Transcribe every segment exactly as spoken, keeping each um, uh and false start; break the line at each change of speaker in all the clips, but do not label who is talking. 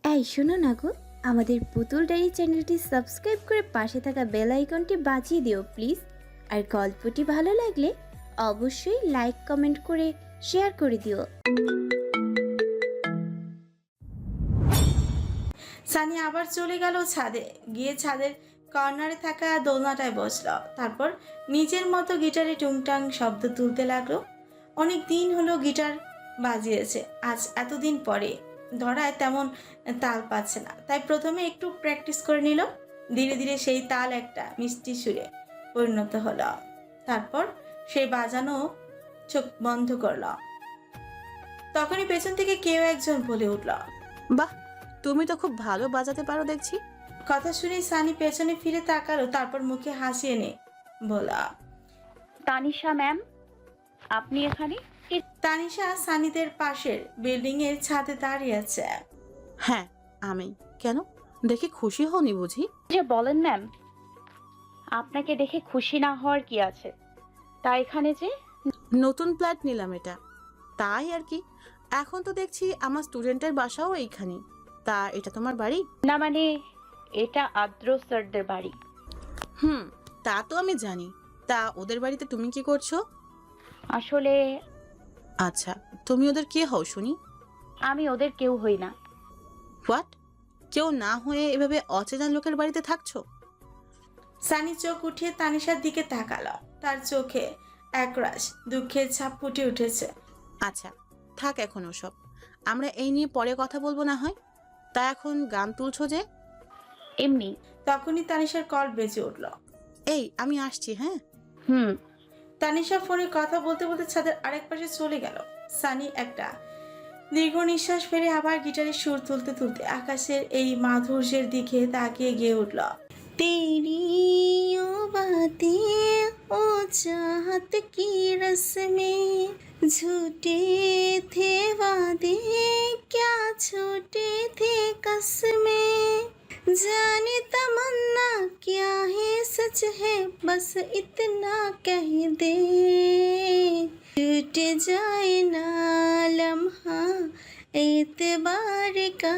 এই শোনো না গো, আমাদের পুতুল ডায়েরি চ্যানেলটি সাবস্ক্রাইব করে পাশে থাকা বেল আইকনটি বাজিয়ে দিও প্লিজ। আর গল্পটি ভালো লাগলে অবশ্যই লাইক কমেন্ট করে শেয়ার করে দিও।
সানি আবার চলে গেল ছাদে, গিয়ে ছাদের কর্নারে থাকা দোলনাটায় বসলো। তারপর নিজের মতো গিটারে টুংটাং শব্দ তুলতে লাগলো। অনেক দিন হলো গিটার বাজিয়েছে, আজ এতদিন পরে ধরায় তেমন তাল পাচ্ছে না, তাই প্রথমে একটু প্র্যাকটিস করে নিল। ধীরে ধীরে সেই তাল একটা মিষ্টি সুরে পরিণত হলো। তারপর সেই বাজানো চোখ বন্ধ করল। তখনই পেছন থেকে কেউ একজন বলে উঠল,
বাহ, তুমি তো খুব ভালো বাজাতে পারো দেখছি।
কথা শুনে সানি পেছনে ফিরে তাকালো, তারপর মুখে হাসি এনে বলা,
তানিশা ম্যাম, আপনি এখানে?
তানিশা সানিদের পাশের বিল্ডিং এর ছাদে দাঁড়িয়ে আছে।
হ্যাঁ, আমি। কেন, দেখে খুশি হওনি বুঝি?
যে বলেন ম্যাম, আপনাকে দেখে খুশি না হওয়ার কি আছে? তা এখানে যে
নতুন ফ্ল্যাট নিলাম এটা, তাই আর কি। এখন তো দেখছি আমার স্টুডেন্টের বাসাও এইখানে। তা এটা তোমার বাড়ি?
না, মানে এটা আদ্র স্যারদের বাড়ি।
হুম, তা তো আমি জানি। তা ওদের বাড়িতে তুমি কি করছো?
আসলে
আচ্ছা, তুমি ওদের কে হও শুনি?
আমি ওদের কেউ হই না।
হোয়াট? কেউ না হয়ে এভাবে অচেনা লোকের বাড়িতে থাকছো?
সানি চোখ উঠিয়ে তানিশার দিকে তাকালো, তার চোখে একরাশ দুঃখের ছাপ ফুটে উঠেছে।
আচ্ছা, থাক এখন ওসব, আমরা এই নিয়ে পরে কথা বলবো না হয়। তা এখন গান তুলছো যে?
এমনি।
তখনই তানিশার কল বেজে উঠল।
এই, আমি আসছি। হ্যাঁ।
হুম।
তানিশা ফোনে কথা বলতে বলতে ছাদের আরেক পাশে চলে গেল। সানি একটা দীর্ঘ নিঃশ্বাস ফেলে আবার গিটারের সুর তুলতে তুলতে আকাশের এই মাধুর্যের দিকে তাকিয়ে গিয়ে উঠল। তেরি ও বাতেं ओ चाहत की रस में झूठे थे वादे क्या छोटे थे कसमें जाने तमन्ना क्या है सच है बस इतना कह दे टूट जाए ना लम्हा एतबार का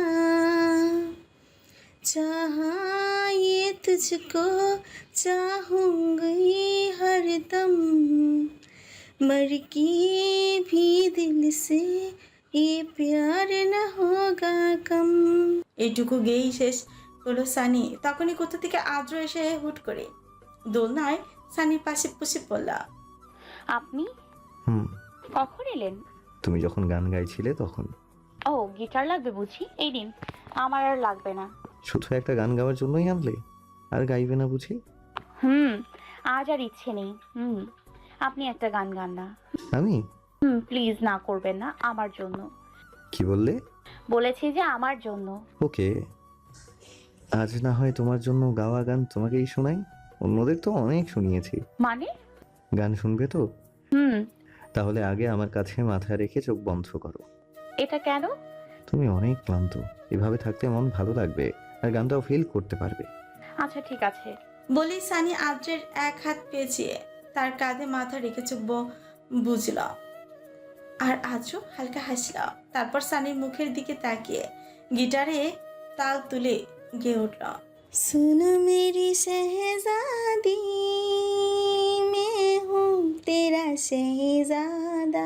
चाहा ये तुझको चाहूंगी हरदम मर के भी दिल से ये प्यार न होगा कम। এইটুকু গেয়েই শেষ হলো সানি। তখনই কোথা থেকে আদ্র এসে হুট করে দোলনায় সানির পাশে বসে পড়ল।
আপনি
হুম,
কখন এলেন?
তুমি যখন গান গাইছিলে তখন।
ও, গিটার লাগবে বুঝি? এই দিন। আমার আর লাগবে না।
শুধু একটা গান গাওয়ার জন্যই আনলে? আর গাইবে না বুঝি?
হুম, আজ আর ইচ্ছে নেই। হুম, আপনি একটা গান গান না।
আমি?
হুম, প্লিজ না করবেন না আমার জন্য।
কি বললে?
বলেছি যে আমার জন্য।
ওকে, আজ না হয় তোমার জন্য গাওয়া গান তোমাকেই শোনাই। অন্যদের তো অনেক শুনিয়েছি।
মানে?
গান শুনবে তো?
হুম।
তাহলে আগে আমার কাছে মাথা রেখে চোখ বন্ধ করো।
এটা কেন?
তুমি অনেক ক্লান্ত, এভাবে থাকতে মন ভালো লাগবে আর গানটাও ফিল করতে পারবে।
আচ্ছা ঠিক আছে।
বলি সানি আদ্রের এক হাত পেঁচিয়ে তার কাঁধে মাথা রেখে চুপ বুঝল, আর আদ্র হালকা হাসল। তারপর সানির মুখের দিকে তাকিয়ে গিটারে তাল তুলে গেয়ে উঠল, सुनो मेरी शहजादी मैं हूँ तेरा शहजादा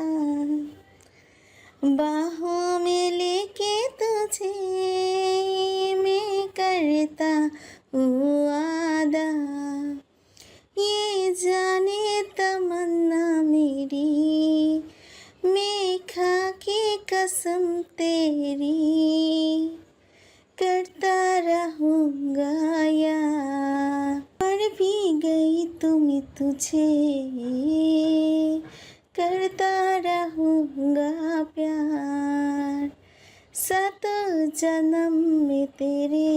बाहों में लेके तुझे मैं करता हूँ वादा ये जाने तमन्ना मेरी मैं खा के कसम तेरी करता रहूँगा यार पर भी गई तुम्हें तुझे करता रहूँगा प्यार सात जन्म में तेरे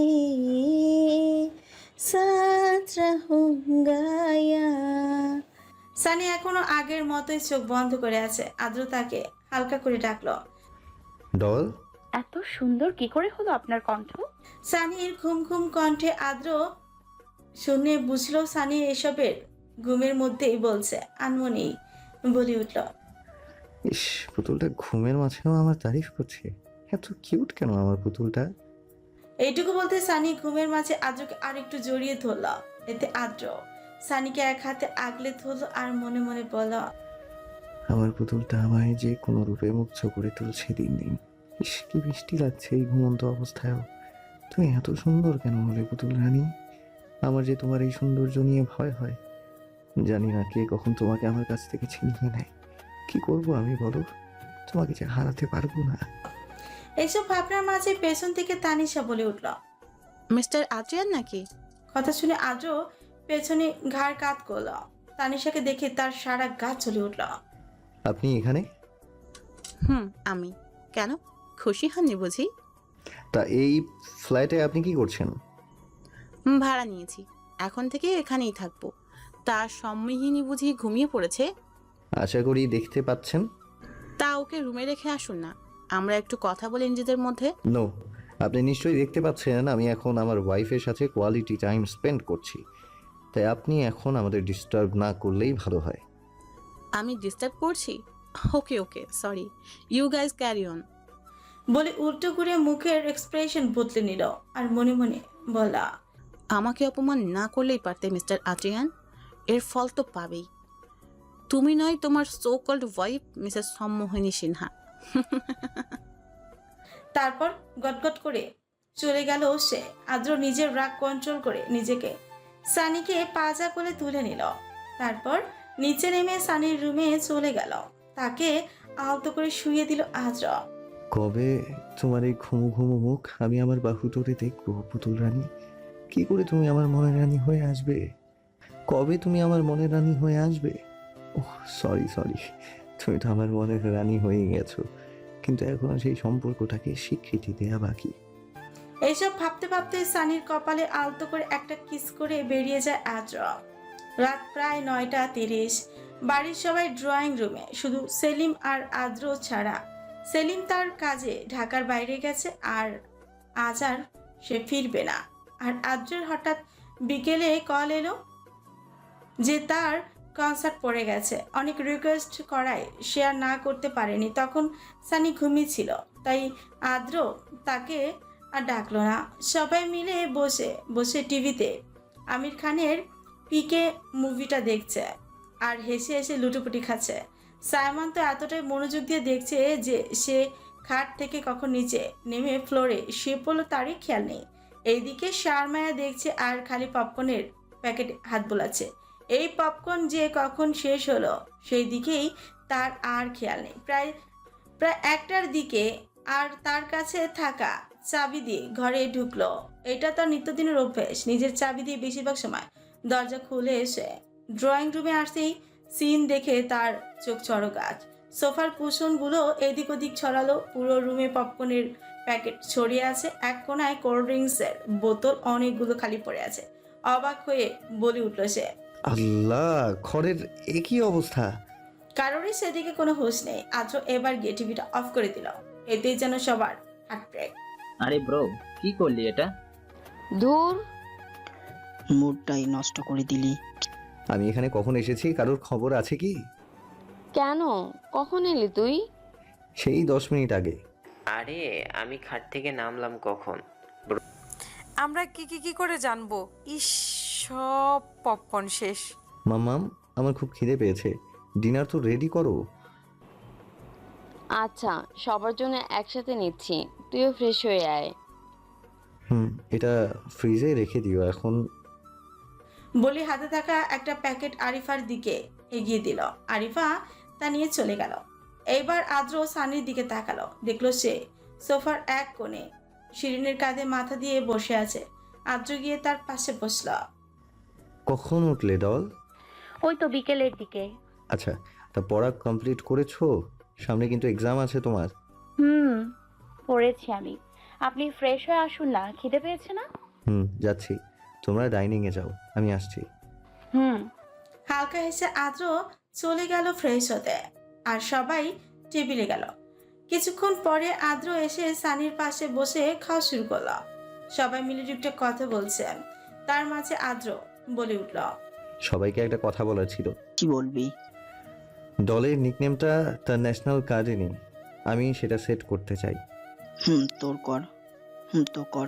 साथ रहूँगा यार। সানি এখনো আগের মতোই চোখ বন্ধ করে আছে। আদ্র তাকে হালকা করে ডাকলো,
ডল।
এত সুন্দর কি করে হলো আপনার কণ্ঠ?
সানির ঘুম ঘুম কণ্ঠে আদ্র শুনে বুঝলো সানি এসবের ঘুমের মধ্যেই বলছে। আনমনেই বলে উঠল,
ইস, পুতুলটা ঘুমের মাঝেও আমার তারিফ করছে। এত কিউট কেন আমার পুতুলটা?
এইটুকু বলতে সানি ঘুমের মাঝে আদ্রকে আরেকটু জড়িয়ে ধরল। এতে আদ্র সানিকে এক হাতে আগলে ধরল আর মনে মনে বলল,
আমার পুতুলটা আমায় যে কোনো রূপে মুগ্ধ করে তুলছে দিন দিন। ইস, কি বৃষ্টি লাগছে এই ঘুমন্ত অবস্থায়ও। তুমি এত সুন্দর কেন হলে পুতুল রানী? আমার যে তোমার এই সৌন্দর্য নিয়ে ভয় হয়। জানি না কে কখন তোমাকে আমার কাছ থেকে ছিনিয়ে নেয়। কি করব আমি বলো? তোমাকে যে হারাতে পারবো না।
এইসব ভাবনার মাঝে পেছন থেকে তানিশা বলে উঠল।
মিস্টার আদ্রিয়ান নাকি?
কথা শুনে আদ্র পেছনে ঘাড় কাত করল। তানিশাকে দেখে তার সারা গা চলে উঠল।
আপনি এখানে?
হুম, আমি। কেন, খুশি হননি বুঝি?
তা এই ফ্ল্যাটে আপনি কি করছেন?
হুম, ভাড়া নিয়েছি, এখন থেকে এখানেই থাকবো। তার সম্মিহিনী বুঝি ঘুমিয়ে পড়েছে?
আশা করি দেখতে পাচ্ছেন।
তা ওকে রুমে রেখে আসুন না, আমরা একটু কথা বলি নিজেদের মধ্যে।
নো, আপনি নিশ্চয়ই দেখতে পাচ্ছেন আমি এখন আমার ওয়াইফের সাথে কোয়ালিটি টাইম স্পেন্ড করছি। তাই আপনি এখন আমাদের ডিস্টার্ব না করলেই ভালো হয়।
আমি ডিস্টার্ব করছি? Okay okay, sorry, you guys carry on.
বলে উল্টো ঘুরে মুখের এক্সপ্রেশন বদলে নিল আর মনে মনে বলা,
আমাকে অপমান না করলেই পারতে মিস্টার আদ্রিয়ান, এর ফল তো পাবেই। তুমি নয়, তোমার so called wife Mrs Sammohini Sinha.
তারপর গটগট করে চলে গেল সে। আদ্র নিজের রাগ কন্ট্রোল করে নিজেকে সানিকে পাজা করে তুলে নিল। তারপর নিচে নেমে সানির রুমে চলে গেল। তাকে আলতো করে শুইয়ে দিল আদ্র।
কবে তোমার এই ঘুমু ঘুমু মুখ আমি আমার বাহু ধরে দেখবো পুতুল রানী? কি করে তুমি আমার মনের রানী হয়ে আসবে? কবে তুমি আমার মনের রানী হয়ে আসবে? ওহ সরি সরি, তুমি তো আমার মনের রানী হয়ে গেছো, কিন্তু এখনো সেই সম্পর্কটাকে স্বীকৃতি দেয়া বাকি।
এইসব ভাবতে ভাবতে সানির কপালে আলতো করে একটা কিস করে বেরিয়ে যায় আদ্র। রাত প্রায় নয়টা তিরিশ। বাড়ির সবাই ড্রয়িং রুমে, শুধু সেলিম আর আদ্র ছাড়া। সেলিম তার কাজে ঢাকার বাইরে গেছে আর আজ আর সে ফিরবে না। আর আদ্রের হঠাৎ বিকেলে কল এলো যে তার কনসার্ট পড়ে গেছে। অনেক রিকোয়েস্ট করায় সে আর না করতে পারেনি। তখন সানি ঘুমিয়েছিল, তাই আদ্র তাকে আর ডাকলো না। সবাই মিলে বসে বসে টিভিতে আমির খানের পিকে মুভিটা দেখছে আর হেসে হেসে লুটোপুটি খাচ্ছে। সায়মান তো এতটাই মনোযোগ দিয়ে দেখছে যে সে খাট থেকে কখন নিচে নেমে ফ্লোরে শুয়ে পড়লো তারই খেয়াল নেই। এইদিকে শারমায়া দেখছে আর খালি পপকর্নের প্যাকেট হাত বোলাচ্ছে। এই পপকর্ন যে কখন শেষ হলো সেই দিকেই তার আর খেয়াল নেই। প্রায় প্রায় একটার দিকে আর তার কাছে থাকা চাবি দিয়ে ঘরে ঢুকলো। এটা তার নিত্যদিনের অভ্যেস, নিজের চাবি দিয়ে বেশিরভাগ সময় দরজা খুলে এসে ড্রয়িং রুমে আসতেই সিন দেখে তার চোখ চড়ক। সোফার কুশনগুলো এদিক ওদিক ছড়ালো, পুরো রুমে পপকর্নের প্যাকেট ছড়িয়ে আছে, এক কোনায় কোল্ড ড্রিঙ্কসের বোতল অনেকগুলো খালি পড়ে আছে। অবাক হয়ে বলে উঠল সে,
আল্লাহ, ঘরের একই অবস্থা।
কারোরই সেদিকে কোনো হুঁশ নেই। আদ্র এবার গিয়ে টিভিটা অফ করে দিল। এতেই যেন সবার হার্ট ব্রেক।
আরে ব্রো, কি করলি এটা?
ধুর,
মুডটাই নষ্ট করে দিলি।
আমি এখানে কখন এসেছি কারোর খবর আছে কি?
কেন? কখন এলি তুই?
সেই দশ মিনিট আগে।
আরে আমি খাট থেকে নামলাম কখন?
আমরা কি কি কি করে জানবো? ইস, সব পপকর্ন শেষ।
মাম্মাম, আমার খুব খিদে পেয়েছে, ডিনার তো রেডি করো।
আচ্ছা, সবার জন্য একসাথে নিচ্ছি, তুইও ফ্রেশ হয়ে আয়।
হুম, এটা ফ্রিজে রেখে দিও এখন।
বলে হাতে থাকা একটা প্যাকেট আরিফার দিকে এগিয়ে দিল। আরিফা তা নিয়ে চলে গেল। এইবার আদ্র সানির দিকে তাকালো, দেখলো সে সোফার এক কোণে শিরিনের কাঁধে মাথা দিয়ে বসে আছে। আদ্র গিয়ে তার পাশে বসল।
কখন উঠলে ডল?
ওই তো বিকেলের দিকে।
আচ্ছা, তা পড়া কমপ্লিট করেছো? সামনে কিন্তু এক্সাম আছে তোমার।
হুম, পড়েছি আমি। আপনি ফ্রেশ হয়ে আসুন না, খিদে পেয়েছে না?
হুম, যাচ্ছি। তোমরা ডাইনিং এ যাও, আমি আসছি।
হুম।
হালকা হেসে আদ্র চলে গেল ফ্রেশ হতে, আর সবাই টেবিলে গেল। কিছুক্ষণ পরে আদ্র এসে সানির পাশে বসে খাওয়া শুরু করলো। সবাই মিলে টুকটাক কথা বলছে, তার মাঝে আদ্র বলে উঠল,
সবাইকে একটা কথা বলার ছিল।
কি বলবি?
দলের নিকনেমটা তার ন্যাশনাল কার্ডে নেই, আমি সেটা সেট করতে চাই।
হুম তোর কর হুম তো কর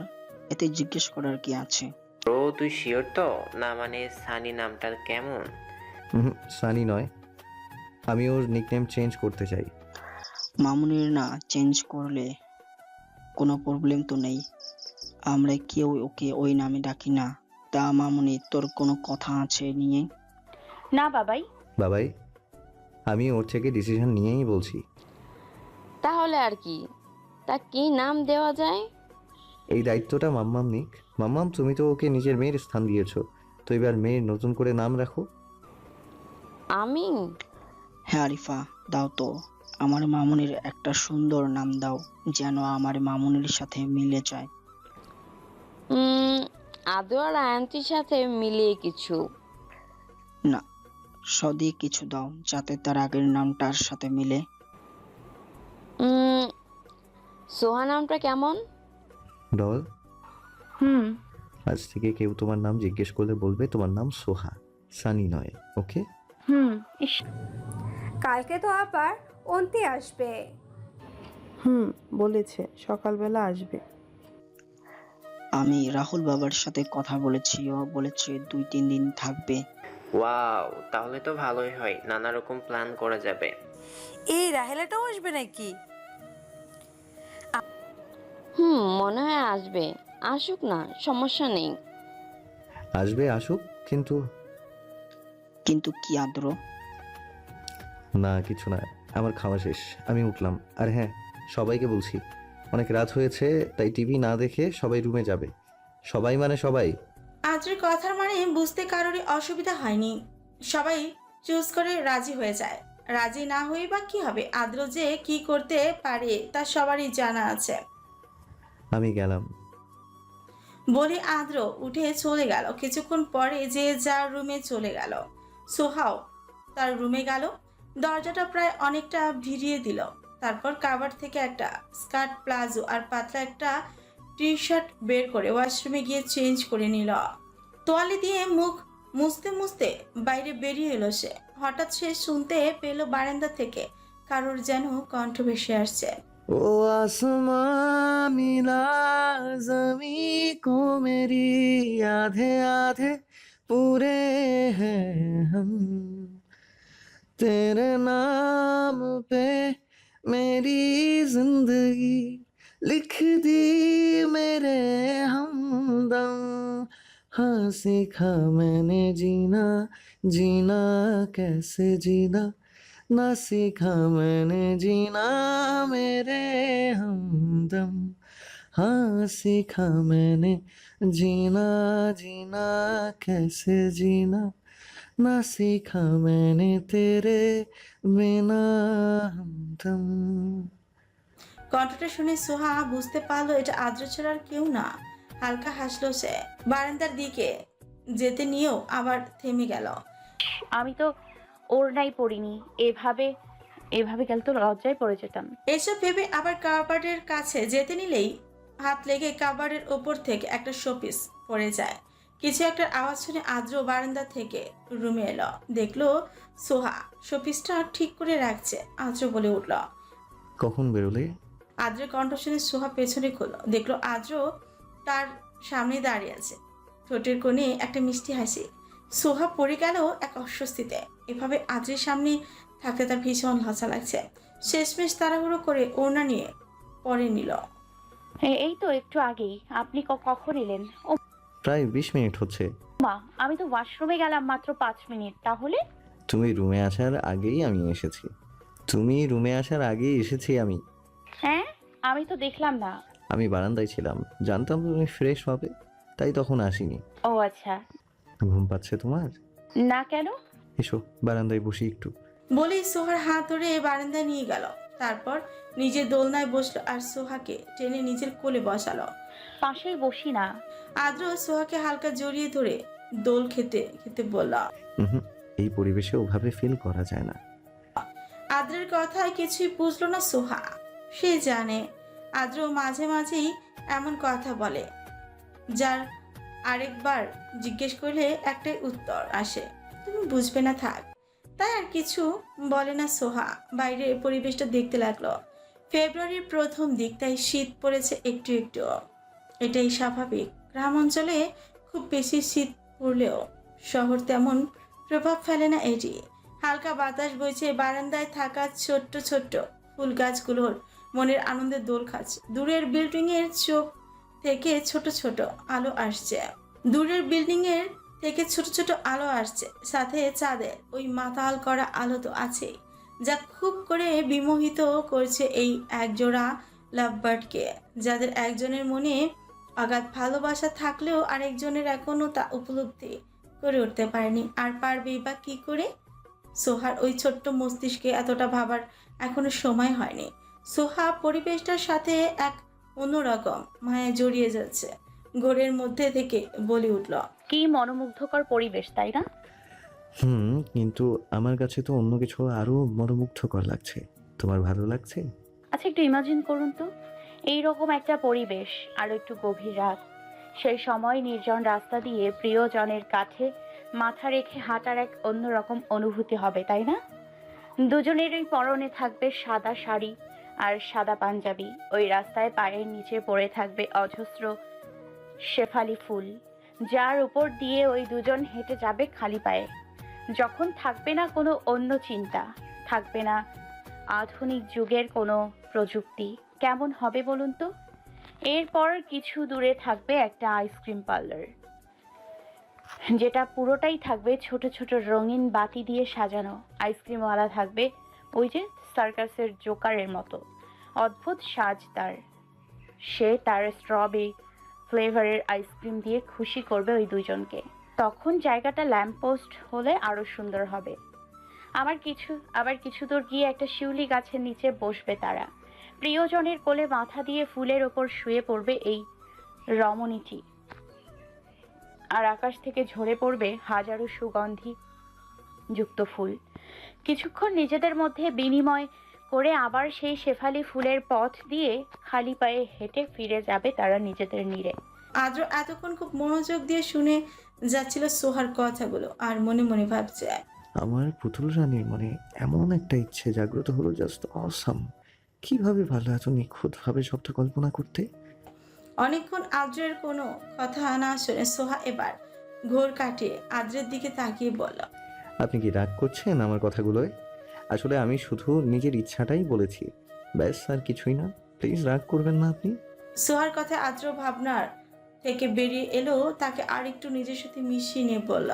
এতে জিজ্ঞেস করার কি আছে?
ব্রো তুই শিওর তো না? মানে সানি নামটা কেমন?
হুম, সানি নয়, আমি ওর নিকনেম চেঞ্জ করতে চাই।
মামুনির না চেঞ্জ করলে কোনো প্রবলেম তো নেই, আমরা কেউ ওকে ওই নামে ডাকি না। তা মামুনি, তোর কোনো কথা আছে নিয়ে?
না বাবাই।
বাবাই, আমি ওর থেকে ডিসিশন নিয়েই বলছি।
তাহলে আর কি, তা কি নাম দেওয়া যায়?
এই দায়িত্বটা মাম্মাম নিক। মাম্মাম, তুমি তো ওকে নিজের মেয়ের স্থান দিয়েছো, তো এবার মেয়ের নতুন করে নাম রাখো।
আমি?
হ্যাঁ আরিফা, দাও তো। আমার মামুনির একটা সুন্দর নাম দাও, যেন আমার মামুনির সাথে মিলে যায়।
উম, আদৌ আর আয়ান্তির সাথে মিলিয়ে কিছু?
না, সদি কিছু দাও যাতে তার আগের নামটার সাথে মিলে।
উম, সোহা নামটা কেমন?
ডল,
হুম।
আজ থেকে কেউ তোমার নাম জিজ্ঞেস করলে বলবে তোমার নাম সোহা, সানি নয়। ওকে?
হুম। ইস,
কালকে তো আবার অন্তি আসবে।
হুম, বলেছে সকালবেলা আসবে।
আমি রাহুল বাবার সাথে কথা বলেছি, ও বলেছে দুই তিন দিন থাকবে।
ওয়াও, তাহলে তো ভালোই হয়, নানা রকম প্ল্যান করা যাবে।
এই রাহেলাটাও আসবে নাকি?
হুম, মনে হয় আসবে। আসুক না, সমস্যা নেই।
আসবে, আসুক, কিন্তু
কিন্তু কি আদ্র?
না কিছু না, আমার খাওয়া শেষ, আমি উঠলাম। আর হ্যাঁ, সবাইকে বলছি অনেক রাত হয়েছে, তাই টিভি না দেখে সবাই রুমে যাবে। সবাই মানে সবাই।
আদ্রের কথার মানে বুঝতে কারোরই অসুবিধা হয়নি, সবাই চুজ করে রাজি হয়ে যায়। রাজি না হয়ে বা কি হবে, আদ্র যে কি করতে পারে তা সবারই জানা আছে।
আমি গেলাম।
বলে আদ্র উঠে চলে গেল। কিছুক্ষণ পরে যে যার রুমে চলে গেল। সোহাও তার রুমে গেল, দরজাটা প্রায় অনেকটা ভিড়িয়ে দিল। তারপর কাভার থেকে একটা স্কার্ট, প্লাজো আর পাতলা একটা টি শার্ট বের করে ওয়াশরুমে গিয়ে চেঞ্জ করে নিল। তোয়ালে দিয়ে মুখ মুছতে মুছতে বাইরে বেরিয়ে এলো সে। হঠাৎ সে শুনতে পেল বারান্দা থেকে কারোর যেন কণ্ঠ ভেসে আসছে।
ও आसमां मिला जमी को मेरी, आधे आधे पूरे हैं हम, तेरे नाम पे मेरी जिंदगी लिख दी मेरे हमदम, हाँ सीखा मैंने जीना, जीना कैसे जीना, ना सीखा मैंने जीना मेरे हमदम, हाँ सीखा मैंने जीना, जीना कैसे जीना, ना सीखा मैंने तेरे बिना हमदम।
কণ্ঠটা শুনে সোহা বুঝতে পারলো এটা আদ্র ছাড়া আর কেউ না। হালকা হাসলো সে। বারান্দার দিকে যেতে নিয়েও আবার থেমে গেল।
আমি তো ওড়নাই পরিনি, এভাবে এভাবে গেলে তো লজ্জায় পড়ে যেতাম।
এসব ভেবে আবার কাবার্ডের কাছে যেতে নিলেই হাত লেগে কাবার্ডের ওপর থেকে একটা শোপিস পড়ে যায়। কিছু একটা আওয়াজ শুনে আদ্র বারান্দা থেকে রুমে এলো। দেখলো সোহা শোপিসটা ঠিক করে রাখছে। আদ্র বলে উঠল,
কখন বেরোলে?
আদ্রের কণ্ঠ শুনে সোহা পেছনে খুলল। দেখলো আদ্র তার সামনে দাঁড়িয়ে আছে, ঠোঁটের কোণে একটা মিষ্টি হাসি। সোহা পড়ে গেল এক অস্বস্তিতে। এভাবে আদ্রের সামনে থাকতে তার ভীষণ লজ্জা লাগছে। শেষমেশ তাড়াহুড়ো করে ওড়না নিয়ে পরে নিল।
এ- এই তো একটু আগেই। আপনি ক- কখন এলেন? ও
প্রায় বিশ মিনিট হচ্ছে।
মা, আমি তো ওয়াশরুমে গেলাম মাত্র পাঁচ মিনিট। তাহলে
তুমি রুমে আসার আগেই আমি এসেছি। তুমি রুমে আসার আগেই এসেছি আমি।
হ্যাঁ, আমি তো দেখলাম না।
আমি বারান্দায় ছিলাম, জানতাম তুমি ফ্রেশ হবে, তাই তখন আসিনি।
ও আচ্ছা।
ঘুম পাচ্ছে তোমার?
না, কেন?
এসো বারান্দায় বসি একটু।
বলেই সোহার হাত ধরে বারান্দায় নিয়ে গেল। তারপর নিজের দোলনায় বসলো আর সোহাকে টেনে নিজের কোলে বসালো।
পাশেই বসি না।
আদ্র সোহাকে হালকা জড়িয়ে ধরে দোল খেতে খেতে বলল।
হুম, এই পরিবেশে ওভাবে ফিল করা যায় না।
আদ্রের কথায় কিছুই বুঝলো না সোহা। সে জানে আদ্র মাঝে মাঝেই এমন কথা বলে যার আরেকবার জিজ্ঞেস করলে একটাই উত্তর আসে, তুমি বুঝবে না থাক। তাই আর কিছু বলে না সোহা। বাইরের পরিবেশটা দেখতে লাগলো। ফেব্রুয়ারির প্রথম দিক, তাই শীত পড়েছে একটু একটু। এটাই স্বাভাবিক। গ্রাম অঞ্চলে খুব বেশি শীত পড়লেও শহর তেমন প্রভাব ফেলে না এটি। হালকা বাতাস বইছে, বারান্দায় থাকা ছোট্ট ছোট্ট ফুল গাছগুলোর মনের আনন্দে দোল খাচ্ছে। দূরের বিল্ডিং এর চোখ থেকে ছোট ছোট আলো আসছে দূরের বিল্ডিং এর থেকে ছোট ছোট আলো আসছে সাথে চাঁদের ওই মাতাল করা আলো তো আছেই, যা খুব করে বিমোহিত করছে এই একজোড়া লাভবার্ডকে, যাদের একজনের মনে অগাধ ভালোবাসা থাকলেও আরেকজনের এখনো তা উপলব্ধি করে উঠতে পারেনি। আর পারবেই বা কি করে? সোহার ওই ছোট্ট মস্তিষ্কে এতটা ভাবার এখনো সময় হয়নি। সোহা পরিবেশটার সাথে এক অন্যরকম মায়া জড়িয়ে যাচ্ছে। ঘোরের মধ্যে থেকে বলে উঠল,
কি মনোমুগ্ধকর পরিবেশ, তাই না?
হুম, কিন্তু আমার কাছে তো অন্য কিছু আরো মনোমুগ্ধকর লাগছে। তোমার ভালো লাগছে?
আচ্ছা, একটু ইমাজিন করুন তো, এইরকম একটা পরিবেশ, আর একটু গভীর রাত, সেই সময় নির্জন রাস্তা দিয়ে প্রিয়জনের কাছে মাথা রেখে হাঁটার এক অন্যরকম অনুভূতি হবে, তাই না? দুজনেরই পরনে থাকবে সাদা শাড়ি আর সাদা পাঞ্জাবি। ওই রাস্তায় পায়ের নিচে পড়ে থাকবে অজস্র শেফালি ফুল, যার উপর দিয়ে ওই দুজন হেঁটে যাবে খালি পায়ে। যখন থাকবে না কোনো অন্য চিন্তা, থাকবে না আধুনিক যুগের কোনো প্রযুক্তি, কেমন হবে বলুন তো? এরপর কিছু দূরে থাকবে একটা আইসক্রিম পার্লার, যেটা পুরোটাই থাকবে ছোট ছোট রঙিন বাতি দিয়ে সাজানো। আইসক্রিমওয়ালা থাকবে ওই যে সার্কাসের জোকারের মতো, অদ্ভুত সাজ তার। সে তার স্ট্রবেরি ফ্লেভারের আইসক্রিম দিয়ে খুশি করবে ওই দুজনকে। তখন জায়গাটা ল্যাম্পপোস্ট হলে আরো সুন্দর হবে। আমার কিছু আবার কিছু দূর গিয়ে একটা শিউলি গাছের নিচে বসবে তারা। প্রিয়জনের কোলে মাথা দিয়ে ফুলের ওপর শুয়ে পড়বে এই রমণীটি, আর আকাশ থেকে ঝরে পড়বে হাজারো সুগন্ধি যুক্ত ফুল। কিছুক্ষণ নিজেদের মধ্যে বিনিময় করে আবার সেই শেফালি ফুলের পথ দিয়ে খালি পায়ে হেঁটে ফিরে যাবে তারা নিজেদের নীড়ে।
আদ্র এতক্ষণ খুব মনোযোগ দিয়ে শুনে যাচ্ছিল সোহার কথাগুলো, আর মনে মনে ভাবছে,
আমার পুতুল রানীর মনে এমন একটা ইচ্ছে জাগ্রত হলো, জাস্ট অসাম। কিভাবে ভালো এত নিখুঁতভাবে সবটা কল্পনা করতে।
অনেকক্ষণ আদ্রের কোনো কথা না শুনে সোহা এবার ঘোর কাটিয়ে আদ্রের দিকে তাকিয়ে বলল,
আপনি কি রাগ করছেন আমার কথাগুলোয়? আসলে আমি শুধু নিজের ইচ্ছাটাই বলেছি, ব্যাস, আর কিছুই না। প্লিজ রাগ করবেন না আপনি।
সোহার কথা আদ্র ভাবনার থেকে বেরিয়ে এলো, তাকে আর একটু নিজের সাথে মিশিয়ে নিয়ে বলল,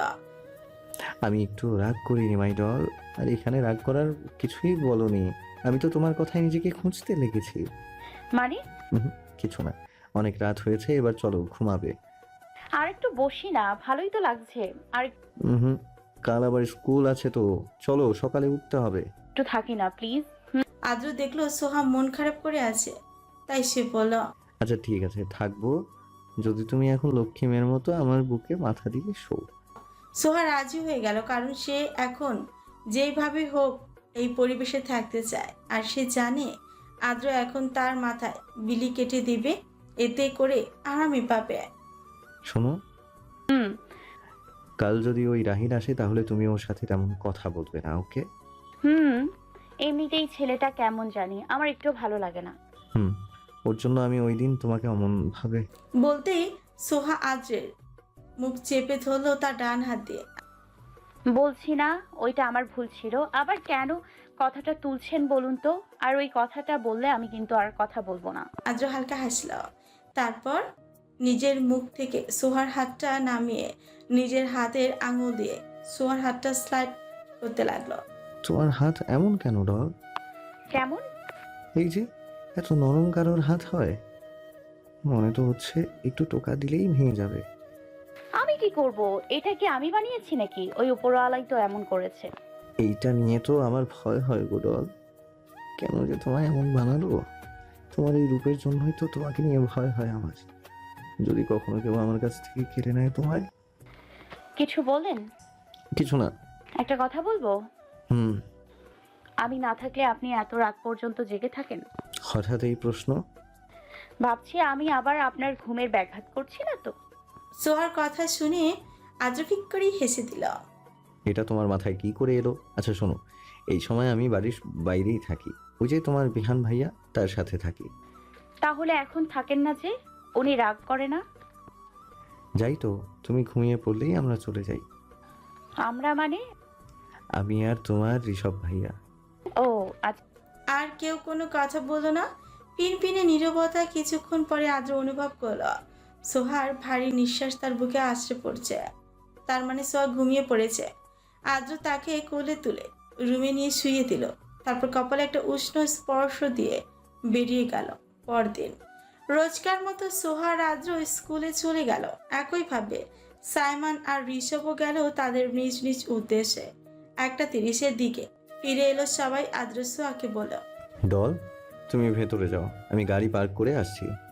আমি একটু রাগ করিনি মাই ডল। আর এখানে রাগ করার কিছুই বলনি। আমি তো তোমার কথায় নিজেকে খুঁজতে লেগেছি।
মানে?
উহুম, কিছু না। অনেক রাত হয়েছে, এবার চলো ঘুমাবে।
আর একটু বসি না, ভালোই তো লাগছে। আর
হুম, কাল আবার স্কুল আছে তো, চলো, সকালে উঠতে হবে।
একটু থাকি না প্লিজ।
আদ্র দেখলো সোহা মন খারাপ করে আছে, তাই সে বলল,
আচ্ছা ঠিক আছে, থাকবো যদি তুমি এখন লক্ষ্মী মেয়ের মতো আমার বুকে মাথা দিয়ে শো।
সোহা রাজি হয়ে গেল, কারণ সে এখন যেইভাবে হোক এই পরিবেশে থাকতে চায়। আর সে জানে আদ্র এখন তার মাথায় বিলি কেটে দিবে, এতে করে আরামই পাবে।
শোনো,
হুম।
কাল যদি ওই রাহিন আসে তাহলে তুমি ওর সাথে তেমন কথা বলবে না, ওকে?
হুম, এমনিতেই ছেলেটা কেমন জানি, আমার একটু ভালো লাগে না।
হুম, ওর জন্য আমি ওই দিন তোমাকে অমন ভাবে।
বলতেই সোহা আদ্রের মুখ চেপে ধরলো তার ডান হাত দিয়ে।
বলছি না ওইটা আমার ভুল ছিল, আবার কেন কথাটা তুলছেন বলুন তো? আর ওই কথাটা বললে আমি কিন্তু আর কথা বলবো না।
আদ্র হালকা হাসল, তারপর নিজের মুখ থেকে সোহার হাতটা নামিয়ে নিজের হাতের আঙুল দিয়ে সোহার হাতটা স্লাইড করতে লাগলো।
তোমার হাত এমন কেন ডল?
কেমন?
এই যে এত নরম কারোর হাত হয়? মনে তো হচ্ছে একটু টোকা দিলেই ভেঙে যাবে।
আমি কি করব? এটা কি আমি বানিয়েছি নাকি? ওই উপরওয়ালাই তো এমন করেছে।
এইটা নিয়ে তো আমার ভয় হয় গো ডল। কেন যে তোমায় এমন বানালো? তোমার এই রূপের জন্যই তো তোমাকে নিয়ে ভয় হয় আমার। যদি কখনো কেউ আমার কাছ থেকে কেড়ে নেয় তোমায়।
কিছু বলেন?
কিছু না।
একটা কথা বলবো?
হুম।
আমি না থাকলে আপনি এত রাত পর্যন্ত জেগে থাকেন?
হঠাৎ এই প্রশ্ন?
ভাবছি আমি আবার আপনার ঘুমের ব্যাঘাত করছি না তো?
সোহার কথা শুনে আদ্র ফিক করেই হেসে দিল।
এটা তোমার মাথায় কি করে এলো? আচ্ছা শোনো, এই সময় আমি বাড়ির বাইরেই থাকি, ওই যে তোমার বিহান ভাইয়া, তার সাথে থাকি।
তাহলে এখন থাকেন না যে? উনি রাগ করে না?
যাই তো, তুমি ঘুমিয়ে পড়লেই আমরা চলে যাই।
আমরা মানে?
আমি আর তোমার ঋষভ ভাইয়া।
ও আচ্ছা।
আর কেউ কোনো কথা বললো না। পিনপিনে নীরবতা। কিছুক্ষণ পরে আদ্র অনুভব করলো সোহার ভারী নিঃশ্বাস তার বুকে আছড়ে পড়ছে। তার মানে সোহা ঘুমিয়ে পড়েছে। আদ্র তাকে কোলে তুলে রুমে নিয়ে শুইয়ে দিল। তারপর কপালে একটা উষ্ণ স্পর্শ দিয়ে বেরিয়ে গেল। পরদিন রোজকার মতো সোহা আর আদ্র স্কুলে চলে গেল। একইভাবে সাইমন আর ঋষভও গেল তাদের নিজ নিজ উদ্দেশ্যে। একটা তিরিশের দিকে ফিরে এলো সবাই। আদ্র সোহাকে বলল,
ডল, তুমি ভেতরে যাও, আমি গাড়ি পার্ক করে আসছি।